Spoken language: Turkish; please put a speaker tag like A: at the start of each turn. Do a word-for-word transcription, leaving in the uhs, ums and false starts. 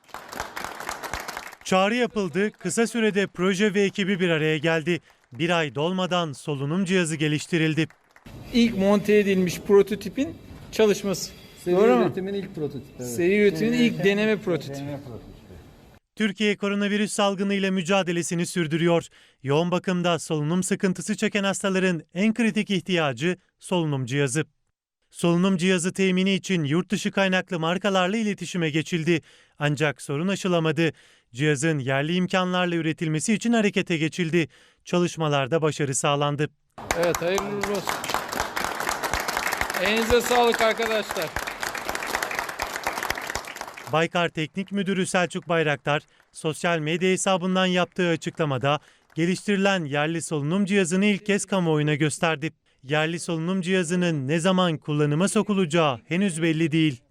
A: Çağrı yapıldı, kısa sürede proje ve ekibi bir araya geldi. Bir ay dolmadan solunum cihazı geliştirildi.
B: İlk monte edilmiş prototipin çalışması.
C: Seri
B: Doğru mu?
C: üretimin ilk prototipi. Evet.
B: Seri üretimin ilk deneme prototipi.
C: Deneme prototipi.
A: Türkiye koronavirüs salgınıyla mücadelesini sürdürüyor. Yoğun bakımda solunum sıkıntısı çeken hastaların en kritik ihtiyacı solunum cihazı. Solunum cihazı temini için yurt dışı kaynaklı markalarla iletişime geçildi. Ancak sorun aşılamadı. Cihazın yerli imkanlarla üretilmesi için harekete geçildi. Çalışmalarda başarı sağlandı.
B: Evet, hayırlı uğurlu olsun. Elinize sağlık arkadaşlar.
A: Baykar Teknik Müdürü Selçuk Bayraktar, sosyal medya hesabından yaptığı açıklamada geliştirilen yerli solunum cihazını ilk kez kamuoyuna gösterdi. Yerli solunum cihazının ne zaman kullanıma sokulacağı henüz belli değil.